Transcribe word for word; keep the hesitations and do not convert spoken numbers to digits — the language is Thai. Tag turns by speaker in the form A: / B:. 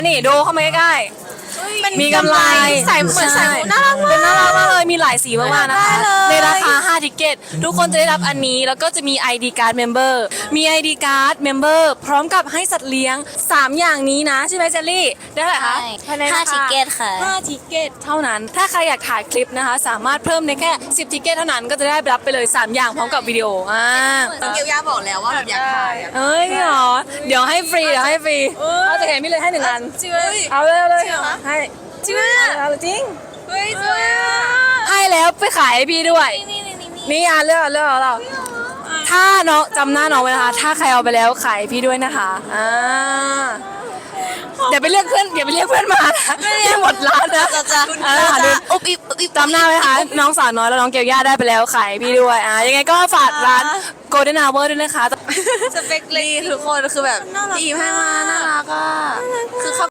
A: นี่ดูเข้ามาใกล้ๆมีกำไร
B: ใส่เหมือนใส่หมูน่ารักมาก
A: เป็นน่ารักมากเลยมีหลายสีมากๆนะคะ
B: ได้เลย
A: ในราคาห้าทิกเก็ตทุกคนจะได้รับอันนี้แล้วก็จะมี ไอ ดี Card Member มี ไอ ดี Card Member พร้อมกับให้สัตว์เลี้ยงสามอย่างนี้นะใช่ไหมเจลลี่ได้เท่าไหร่คะ
C: ใช่
A: ภายใน
C: ห้า
A: ราคา
C: ทิเก็ตค่ะ
A: ห้าทิเก็ตเท่านั้นถ้าใครอยากถ่ายคลิปนะคะสามารถเพิ่มในแค่สิบทิเก็ตเท่านั้นก็จะได้รับไปเลยสามอย่างพร้อมกับวิดีโออ่า
B: เกียวยาบอกแล้วว่าแบบอยากถ่ายอะ
A: เอ้ยเหรอเดี๋ยวให้ฟรีเดี๋ยวให้ฟรีเอาจากไหนไม่เลยให้หนึ่งอัน
B: จริงเลย
A: เอาเลยเอาเลย
B: จริงเหรอคะ
A: ให้
B: จริงไหมอะ
A: เอาจริง
B: เฮ้ยสวยอ่ะ
A: ให้แล้วไปขายให้พี่ด้วย
C: นี่นี่นี่นี่
A: นี่อ่ะเลือกเลือกเอาเราถ้าน้องจำหน้าน้องไว้นะคะ ถ้าใครเอาไปแล้วขายให้พี่ด้วยนะคะอ่าเดี๋ยวไปเรียกเพื่อนเดี๋ยวไปเรียกเพื่อนมานะที่หมดร้านนะ
C: จะจะ
A: อ่า
C: จะ
A: ดู
C: อุบอิบอุบอิบ
A: จำหน้าไว้ค่ะน้องสาวน้อยแล้วน้องเกียวย่าได้ไปแล้วขายให้พี่ด้วยอ่ายังไงก็ฝากร้าน Golden Hour ด้วยนะคะ
B: สเปคเลยทุกคนคือแบบดีมากน่ารักอ่ะคือเขา